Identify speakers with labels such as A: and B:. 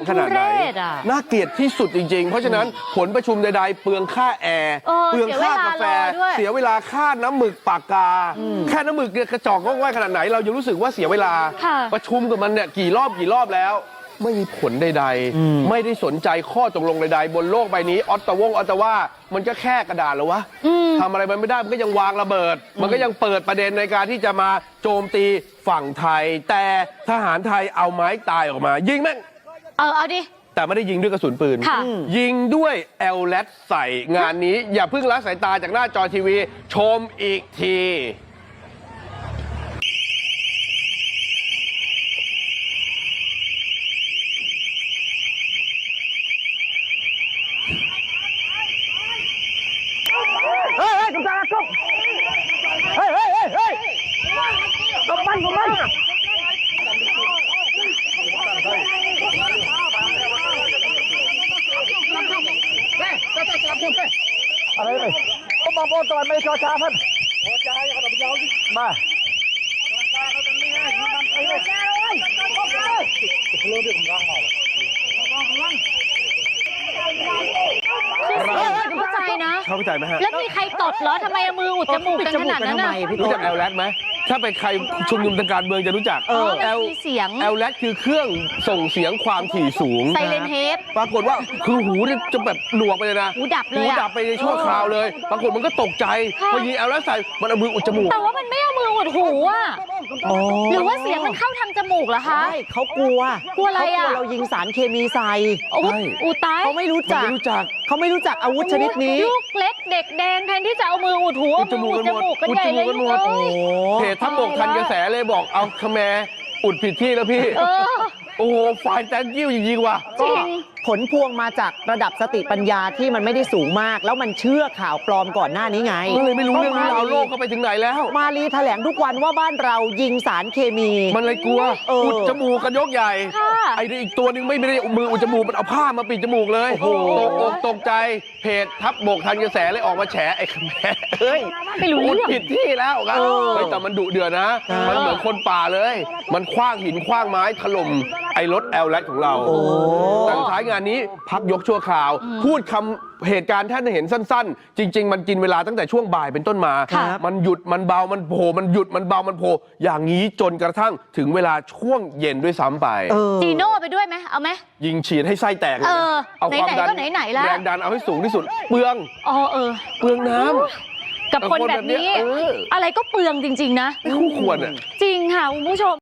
A: ขนาดไหนน่าเกลียดที่สุดจริงๆเพราะฉะนั้นผลประชุมใดๆเปลืองค่าแอร์เปลืองค่ากาแฟเสียเวลาค่าน้ำหมึกปากกาแค่น้ำหมึกเนี่ยกระจอกง่อยขนาดไหนเรายังรู้สึกว่าเสียเวลาประชุมกับมันเนี่ยกี่รอบแล้วไม่มีผลใดๆไม่ได้สนใจข้อตกลงใดๆบนโลกใบนี้ออตตาวามันก็แค่กระดาษเหรอวะทำอะไรมันไม่ได้มันก็ยังวางระเบิดมันก็ยังเปิดประเด็นในการที่จะมาโจมตีฝั่งไทยแต่ทหารไทยเอาไม้ตายออกมายิงแม่ง
B: เอาดิ
A: แต่ไม่ได้ยิงด้วยกระสุนปืนยิงด้วยแอลแลดใส่งานนี้อย่าเพิ่งละสายตาจากหน้าจอทีวีชมอีกที
C: อะไรเลยผมบอกตอนไม่ชอช้าพันมา
B: เข้าใจนะ
A: เข้าใจไหมฮะ
B: แล้วมีใครตดเหรอทำไมเอามืออุดจมูกกันขนาดนั้นน่ะ
A: รู้จักแอลแลดไหมถ้าเป็นใครชุมนุมทางการเมืองจะรู้จักแอลแลดคือเครื่องส่งเสียงความถี่สูง
B: ไซเลนเฮด
A: ปรากฏว่าคือหูจะแบบหนวกไปเลยนะ
B: หูดับเลย
A: หูดับไปในชั่วคราวเลยปรากฏมันก็ตกใจพอยิงแอลแลดใส่มันเอามืออุดจมูก
B: แต่ว่ามันไม่เอามืออุดหูอ่ะหรือว่าเสียงมันเข้าทางจมูกเหรอคะ
C: เขากลัว
B: อะไรอ่ะ
C: เรายิงสารเคมีใส่
B: อูตาย
C: เขาไม่รู้จักเขาไม่รู้จักอาวุธชนิดนี้
B: ลูกเล็กเด็กแดงแทนที่จะเอามืออุดหูเอามืออุดจมูกกันใหญ่เลย
A: เพจทัพบกทันกระแสเลยบอกเอาคแมอุดผิดที่แล้วพี่โอ้โหฝ่ายแตงกิ้วจริงๆว่ะ
B: จริง
C: ผลพวงมาจากระดับสติปัญญาที่มันไม่ได้สูงมากแล้วมันเชื่อข่าวปลอมก่อนหน้านี้ไง
A: ก็เลยไม่รู้เรื่องราวโลกเขาไปถึงไหนแล้ว
C: มาลีแถลงทุกวันว่าบ้านเรายิงสารเคมี
A: มันเลยกลัวอุดจมูกกันยกใหญ่ไอ้อีกตัวนึงไม่ได้มืออุดจมูกมันเอาผ้ามาปิดจมูกเลยตกใจเพจทัพบกทันกระแสเลยออกมาแฉไอ้คแมเฮ้ย
B: ไม่รู้
A: อุดผิดที่แล้วครับแต่มันดุเดือดนะมันเหมือนคนป่าเลยมันคว้างหินคว้างไม้ถล่มไอ้รถแอลแลดของเราแต่ท้ายงานนี้พักยกชั่วคราวพูดคำเหตุการณ์ท่านเห็นสั้นๆจริงๆมันกินเวลาตั้งแต่ช่วงบ่ายเป็นต้นมามันหยุดมันเบามันโผล่มันหยุดมันเบามันโผล่อย่างนี้จนกระทั่งถึงเวลาช่วงเย็นด้วยซ้ำไป
B: จีโน่ไปด้วยไหมเอาไหม
A: ยิงฉีดให้ไส้แตกเลย
B: เอาความดัน
A: แรงดันเอาให้สูงที่สุดเปลืองเปลืองน้
B: ำกับคนแบบนี้อะไรก็เปลืองจริงๆนะ
A: ไม่คู่ควรอ่ะ
B: จริงค่ะคุณผู้ชม